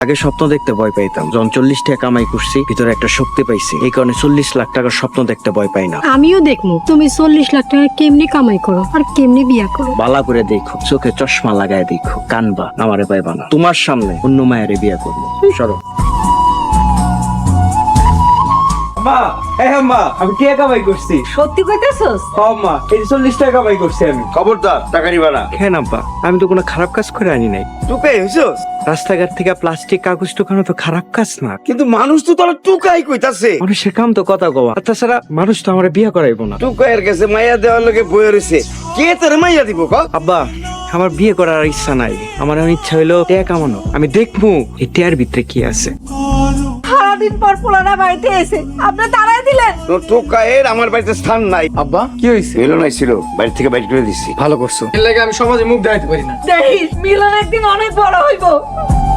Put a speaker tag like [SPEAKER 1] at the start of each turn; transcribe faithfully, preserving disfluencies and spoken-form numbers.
[SPEAKER 1] আগে স্বপ্ন দেখতে ভয় পাইতাম, যখন চল্লিশ টাকা কামাই করছি ভিতরে একটা শক্তি পাইছি, এই কারণে চল্লিশ লাখ টাকার স্বপ্ন দেখতে ভয় পাই না।
[SPEAKER 2] আমিও দেখবো তুমি চল্লিশ লাখ টাকা কেমনি কামাই করো আর কেমনি বিয়া করো।
[SPEAKER 1] বালা করে দেখো, চোখে চশমা লাগায় দেখো, কানবা আমারে পাইবা না। তোমার সামনে অন্য মায়ের বিয়া করবো। সরো।
[SPEAKER 3] মা, হ্যাঁ মা, আমি টাকা কামাই করছি।
[SPEAKER 4] সত্যি কইতেছস?
[SPEAKER 3] হ্যাঁ মা, এই যে চল্লিশ টাকা কামাই করছি আমি।
[SPEAKER 5] খবরদার টাকা নিবা না।
[SPEAKER 1] কেন আব্বা, আমি তো কোনো খারাপ কাজ করে আনি নাই।
[SPEAKER 5] টুকাই হইছস?
[SPEAKER 1] রাস্তাঘাট থেকে প্লাস্টিক কাগজ টোকানো তো খারাপ কাজ না।
[SPEAKER 5] কিন্তু মানুষ তো তোরা টুকাই কইতাছে।
[SPEAKER 1] মানুষের কাম তো কথা কওয়া, আর তাছাড়া মানুষ তো আমার বিয়া করাইবো না।
[SPEAKER 5] টুকাইয়ের কাছে মাইয়া দেওয়ার লোকে বয়ে রয়েছে, কে তোর মাইয়া দিব ক?
[SPEAKER 1] আব্বা, আমার বিয়ে করার আর ইচ্ছা নাই। আমার এখন ইচ্ছা হইলো টাকা কামানো। আমি দেখবো এই টাকার ভিতরে কি আছে।
[SPEAKER 4] সারাদিন পর পোলারা বাড়িতে এসে আপনি তাড়াই দিলেন।
[SPEAKER 5] তোর টুকাইয়ের আমার বাড়িতে স্থান নাই।
[SPEAKER 3] আব্বা কি হয়েছে?
[SPEAKER 5] মেলো নাই ছিল, বাড়ি থেকে বাইর করে দিছি।
[SPEAKER 3] ভালো করছো, এর লাগে আমি সমাজে মুখ দেখাইতে পারি না।
[SPEAKER 4] দেখিস মিলন একদিন অনেক বড় হইব।